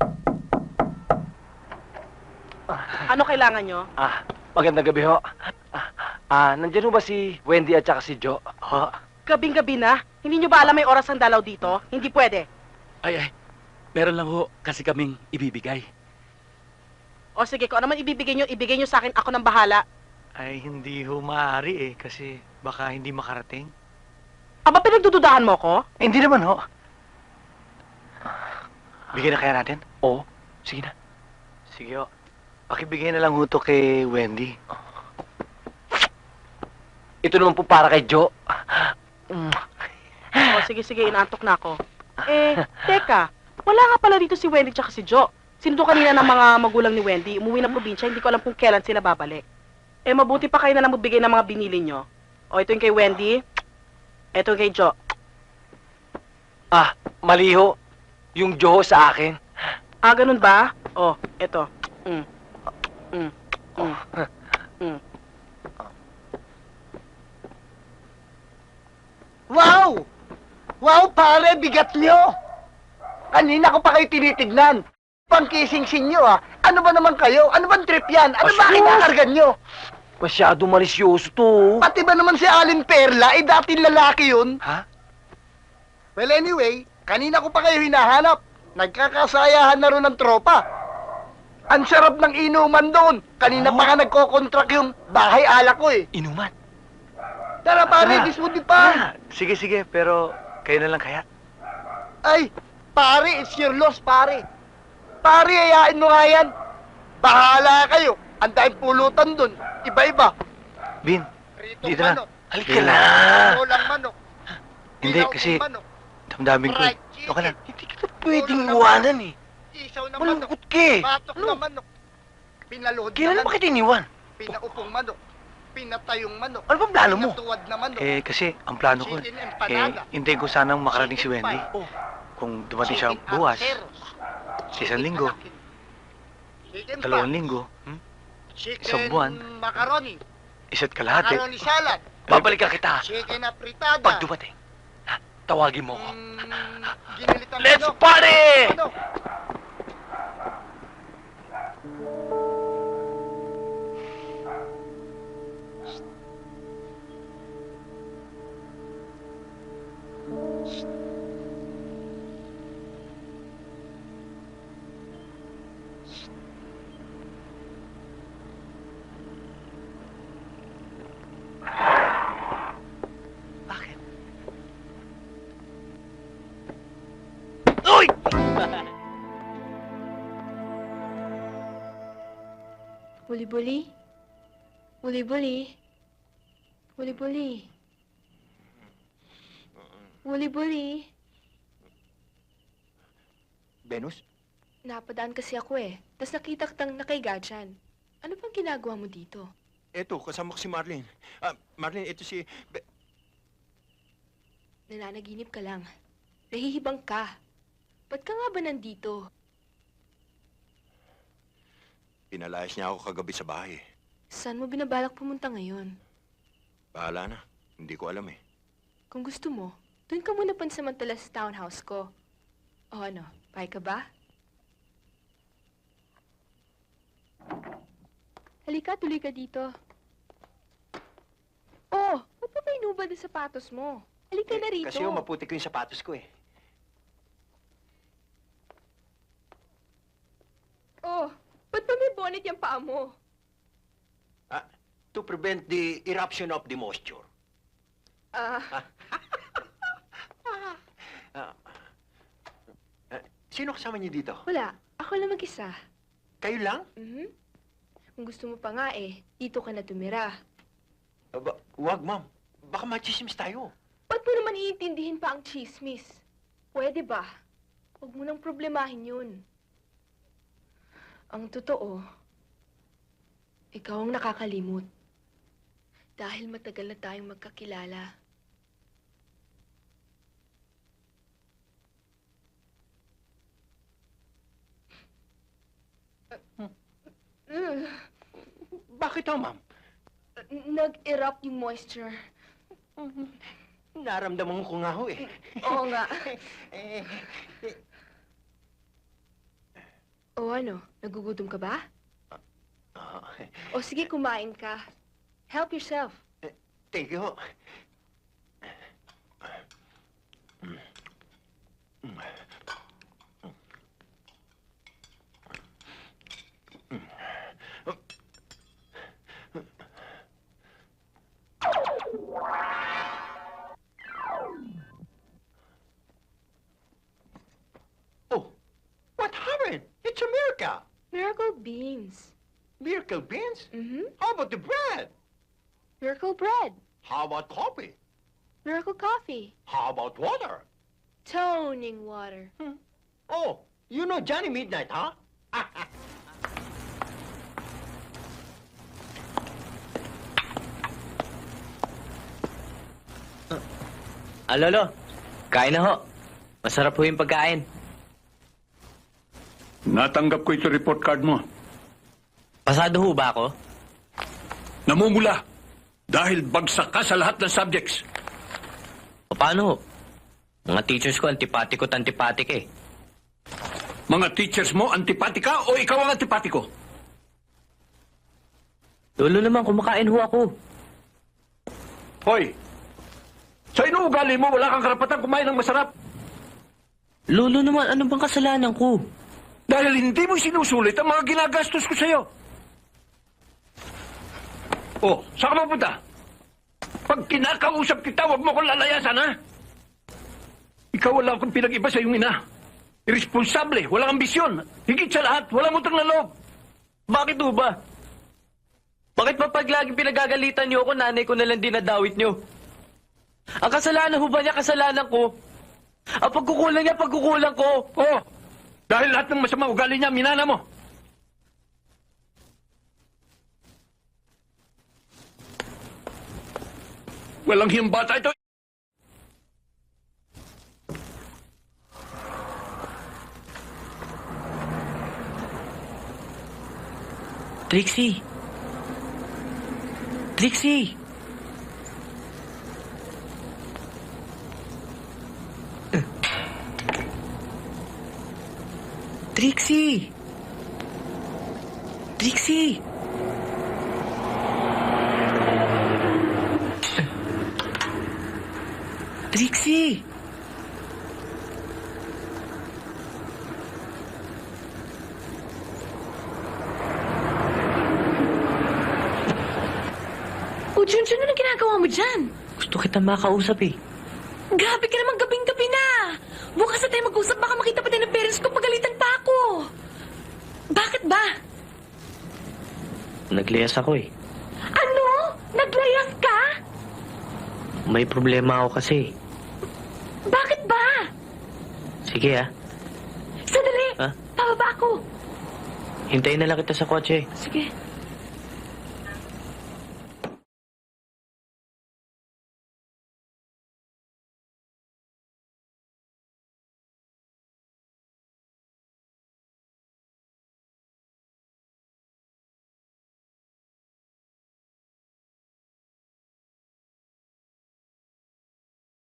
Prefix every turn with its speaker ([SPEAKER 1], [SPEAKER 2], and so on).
[SPEAKER 1] Ano kailangan nyo?
[SPEAKER 2] Magandang gabi ho. Nandiyan ho ba si Wendy at saka si Joe?
[SPEAKER 1] Gabing-gabi na. Hindi nyo ba alam may oras ang dalaw dito? Hindi pwede.
[SPEAKER 3] Ay, meron lang ho kasi kaming ibibigay.
[SPEAKER 1] O sige, kung ano man ibigay nyo sa akin, ako nang bahala.
[SPEAKER 4] Ay, hindi ho maaari kasi baka hindi makarating.
[SPEAKER 1] Aba, pinagdududahan mo ko?
[SPEAKER 4] Hindi naman ho. Bigyan na kaya natin?
[SPEAKER 2] Oo. Sige na.
[SPEAKER 4] Sige ho. Pakibigay na lang ho to kay Wendy.
[SPEAKER 2] Ito naman po para kay Joe.
[SPEAKER 1] O sige, inaantok na ako. Teka, wala nga pala dito si Wendy tsaka si Joe. Sinundo kanina ng mga magulang ni Wendy, umuwi ng probinsya, hindi ko alam kung kailan sila babalik. Mabuti pa kayo na lang magbigay ng mga binili nyo. O, ito yung kay Wendy, ito yung kay Joe.
[SPEAKER 2] Mali ho. Yung Joe ho sa akin.
[SPEAKER 1] Ganun ba? O, ito.
[SPEAKER 5] Wow! Wow, pare, bigat nyo! Kanina ko pa kayo tinitignan. Pangkising-sing nyo, Ano ba naman kayo? Ano bang trip yan? Ano ba kinakargan nyo?
[SPEAKER 2] Masyado malisyoso to.
[SPEAKER 5] Pati ba naman si Alin Perla, dating lalaki yun?
[SPEAKER 4] Ha?
[SPEAKER 5] Well, anyway, kanina ko pa kayo hinahanap. Nagkakasayahan na rin ng tropa. Ang sarap ng inuman doon. Kanina pa nga nagko-contract yung bahay alak ko eh.
[SPEAKER 4] Inuman.
[SPEAKER 5] Tara pare, dismudi pa.
[SPEAKER 4] Sige, pero kayo na lang kaya?
[SPEAKER 5] Ay, pare, it's your loss, pare. Pare, ayain mo nga yan. Bahala kayo. Ang daming pulutan doon. Iba-iba.
[SPEAKER 4] Bin,
[SPEAKER 5] Pritong
[SPEAKER 4] dito na.
[SPEAKER 5] manok.
[SPEAKER 4] Halika na.
[SPEAKER 5] Ulang manok.
[SPEAKER 4] Hindi,
[SPEAKER 5] Dilaw
[SPEAKER 4] kasi
[SPEAKER 5] ng manok.
[SPEAKER 4] damdamin ko eh.
[SPEAKER 5] Fried
[SPEAKER 4] Ito ka lang.
[SPEAKER 5] chicken.
[SPEAKER 2] Hindi kita pwedeng iwanan eh.
[SPEAKER 5] Isaw na manok.
[SPEAKER 2] Malungkot ka eh.
[SPEAKER 5] Batok na manok. Pinaluhod
[SPEAKER 2] Kailan
[SPEAKER 5] na
[SPEAKER 2] mo
[SPEAKER 5] manok.
[SPEAKER 2] kita iniwan?
[SPEAKER 5] Pinaupong manok. Pinatayong manok.
[SPEAKER 2] Ano bang plano mo?
[SPEAKER 5] Pinatuwad na manok.
[SPEAKER 4] Kasi ang plano ko,
[SPEAKER 5] Chicken empanada.
[SPEAKER 4] hintayin ko sanang makarating si
[SPEAKER 5] Chicken
[SPEAKER 4] Wendy.
[SPEAKER 5] pie.
[SPEAKER 4] Kung dumating siya
[SPEAKER 5] Chicken
[SPEAKER 4] bukas,
[SPEAKER 5] arteros.
[SPEAKER 4] sa isang linggo,
[SPEAKER 5] Chicken
[SPEAKER 4] 2
[SPEAKER 5] pie.
[SPEAKER 4] linggo,
[SPEAKER 5] Chicken
[SPEAKER 4] isang buwan.
[SPEAKER 5] macaroni.
[SPEAKER 4] isa't kalahati.
[SPEAKER 5] Macaroni salad.
[SPEAKER 2] Babalikan kita.
[SPEAKER 5] Chicken apritada.
[SPEAKER 2] Pag dumating, tawagin mo ako.
[SPEAKER 5] Ginilitan
[SPEAKER 2] Let's
[SPEAKER 5] manok.
[SPEAKER 2] party!
[SPEAKER 5] Manok.
[SPEAKER 4] Bakit?
[SPEAKER 2] Uy!
[SPEAKER 6] Buli-buli? Buli-buli? Buli-buli? Buli-buli?
[SPEAKER 5] Venus?
[SPEAKER 6] Napadaan kasi ako eh. Tapos nakita kitang nakaiga dyan. Ano bang ginagawa mo dito?
[SPEAKER 7] Eto, kasama ko si Marlene. Marlene, ito si...
[SPEAKER 6] Nananaginip ka lang. Nahihibang ka. Ba't ka nga ba nandito?
[SPEAKER 7] Pinalayas niya ako kagabi sa bahay.
[SPEAKER 6] Saan mo binabalak pumunta ngayon?
[SPEAKER 7] Bahala na. Hindi ko alam eh.
[SPEAKER 6] Kung gusto mo, doon ka muna pansamantala sa townhouse ko. O ano, pay ka ba? Halika, tuloy ka dito. Oh, ba't pa may nubad na sapatos mo? Halika na rito.
[SPEAKER 5] Kasi maputi ko yung sapatos ko eh.
[SPEAKER 6] Oh, ba't pa may bonnet yung paa mo?
[SPEAKER 5] To prevent the eruption of the moisture. Sino kasama niyo dito?
[SPEAKER 6] Wala. Ako lang mag-isa.
[SPEAKER 5] Kayo lang?
[SPEAKER 6] Kung gusto mo pa nga eh, dito ka na tumira.
[SPEAKER 5] Wag, ma'am. Baka machismis tayo.
[SPEAKER 6] Ba't mo naman iintindihin pa ang chismis? Pwede ba? Huwag mo nang problemahin yun. Ang totoo, ikaw ang nakakalimot. Dahil matagal na tayong magkakilala.
[SPEAKER 5] Bakit ho, ma'am?
[SPEAKER 6] Nag-erupt yung moisture.
[SPEAKER 5] Naramdaman ko nga ho eh.
[SPEAKER 6] Oo nga. O ano, nagugutom ka ba?
[SPEAKER 7] Ah,
[SPEAKER 6] O sige, kumain ka. Help yourself.
[SPEAKER 7] thank you ho. Oh, what happened? It's a miracle.
[SPEAKER 6] Miracle beans.
[SPEAKER 7] Miracle beans?
[SPEAKER 6] Mm-hmm.
[SPEAKER 7] How about the bread?
[SPEAKER 6] Miracle bread.
[SPEAKER 7] How about coffee?
[SPEAKER 6] Miracle coffee.
[SPEAKER 7] How about water?
[SPEAKER 6] Toning water.
[SPEAKER 7] Oh, you know Johnny Midnight, huh?
[SPEAKER 8] Lolo, kain na ho. Masarap ho yung pagkain.
[SPEAKER 9] Natanggap ko ito report card mo.
[SPEAKER 8] Pasado ho ba ako?
[SPEAKER 9] Namumula dahil bagsak ka sa lahat ng subjects.
[SPEAKER 8] O paano ho? Mga teachers ko antipatik eh.
[SPEAKER 9] Mga teachers mo, antipatika o ikaw ang antipatiko?
[SPEAKER 8] Lolo naman, kumakain ho ako.
[SPEAKER 9] Hoy, sa inuugali mo, wala kang karapatan kumain ng masarap.
[SPEAKER 8] Lolo naman, ano bang kasalanan ko?
[SPEAKER 9] Dahil hindi mo sinusulit ang mga ginagastos ko sa'yo. Oh, saan ka mapunta? Pag kinakausap kita, huwag mo akong lalayasan, ha? Ikaw wala akong pinag-iba sa iyong ina. Irresponsable, walang ambisyon. Higit sa lahat, walang utang na loob.
[SPEAKER 8] Bakit ho ba? Bakit pa pag lagi pinagagalitan niyo ako, nanay ko nalang dinadawit niyo? Ang kasalanan ho ba niya, kasalanan ko? Ang pagkukulang niya, pagkukulang ko.
[SPEAKER 9] Oh, dahil lahat ng masama ugali niya, minana mo. Walang hiyang bata ito.
[SPEAKER 8] Trixie! Trixie! Trixie! Trixie! Trixie!
[SPEAKER 6] O, Junjun, ano ginagawa mo dyan?
[SPEAKER 8] Gusto kita makausap eh.
[SPEAKER 6] Grabe ka naman, gabing-gabi na. Bukas na tayo mag-usap, baka makita pa tayo ng parents ko, pagalitan pa ako. Bakit ba?
[SPEAKER 8] Nagliyas ako eh.
[SPEAKER 6] Ano? Naglayas ka?
[SPEAKER 8] May problema ako kasi.
[SPEAKER 6] Bakit ba?
[SPEAKER 8] Sige ah.
[SPEAKER 6] Sandali,
[SPEAKER 8] Ha?
[SPEAKER 6] pababa ako.
[SPEAKER 8] Hintayin na lang kita sa kotse.
[SPEAKER 6] Sige.